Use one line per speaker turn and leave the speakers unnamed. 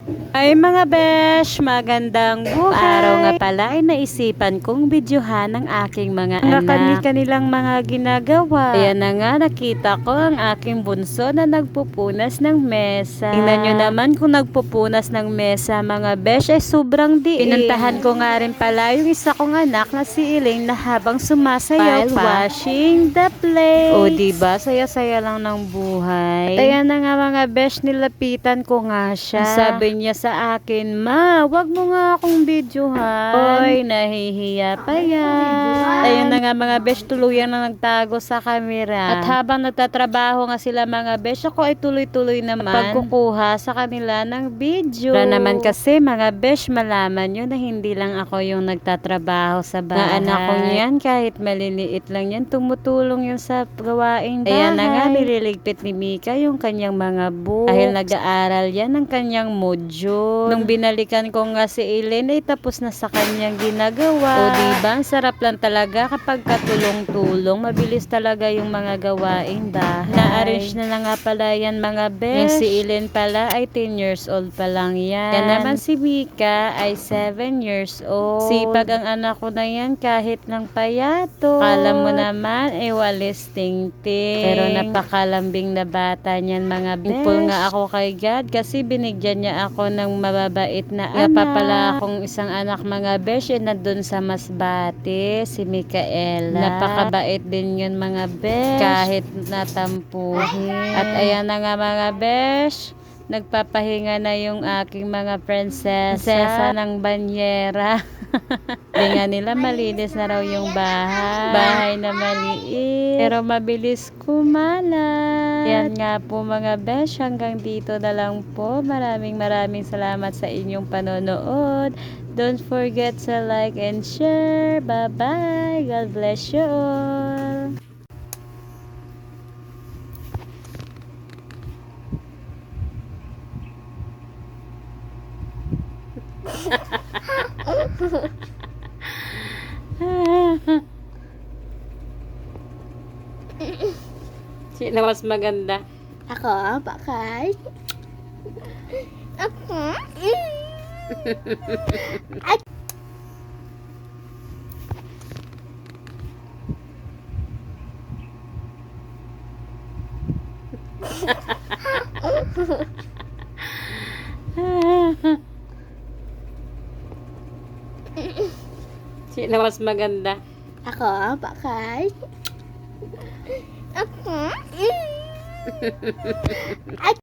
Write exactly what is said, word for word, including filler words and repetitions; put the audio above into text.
Ay mga besh, magandang buhay. Araw nga pala ay naisipan kong videohan ng aking mga anak. Kani-kanilang mga ginagawa. Ayan na nga, nakita ko ang aking bunso na nagpupunas ng mesa. Tingnan nyo naman kung nagpupunas ng mesa mga besh ay sobrang diin. Pinuntahan ko nga rin pala yung isa kong anak na si Iling na habang sumasayaw
While
pa. Washing the plate. O diba, saya-saya lang ng buhay. At ayan na nga mga besh, nilapitan ko nga siya. Sabi niya sa akin, "Ma, wag mo nga akong videohan." Oy, nahihiya pa yan. Ayun na nga mga besh, tuluyan na nagtago sa camera. At habang nagtatrabaho nga sila mga besh, ako ay tuloy-tuloy naman pagkukuha sa kanila ng video. Para naman kasi mga besh, malaman nyo na hindi lang ako yung nagtatrabaho sa bahay. Na anak ko niyan, kahit maliliit lang yan, tumutulong yun sa gawaing bahay. Ayan na nga, nililigpit ni Mika yung kanyang mga books. Dahil nag-aaral yan ng kanyang module. Nung binalikan ko nga si Eileen ay tapos na sa kanyang ginagawa. O diba, ang sarap lang talaga kapag katulong-tulong. Mabilis talaga yung mga gawaing bahay. Na-arrange na na nga pala yan mga besh. Yung si Eileen pala ay ten years old pa lang yan. Yan naman si Mika ay seven years old. Sipag ang anak ko na yan kahit ng payato. Kala mo naman ay walis ting-ting. Pero napakalambing na bata niyan mga besh. Thankful nga ako kay God kasi binigyan niya ako ng mababait na anak. Pa pala akong isang anak mga besh na dun sa Masbate, si Micaela. Napakabait din yun mga besh. Kahit natampuhin. At ayan na nga mga besh, nagpapahinga na yung aking mga prinsesa ng banyera. Hindi nga nila malinis na raw yung bahay. Bahay na maliit. Pero mabilis kumalat. Yan nga po mga besh. Hanggang dito na lang po. Maraming maraming salamat sa inyong panonood. Don't forget to like and share. Bye bye. God bless you all. Sino mas maganda?
Ako, bakit? Ako? At
Sino mas maganda?
ako, bakit? Ako? At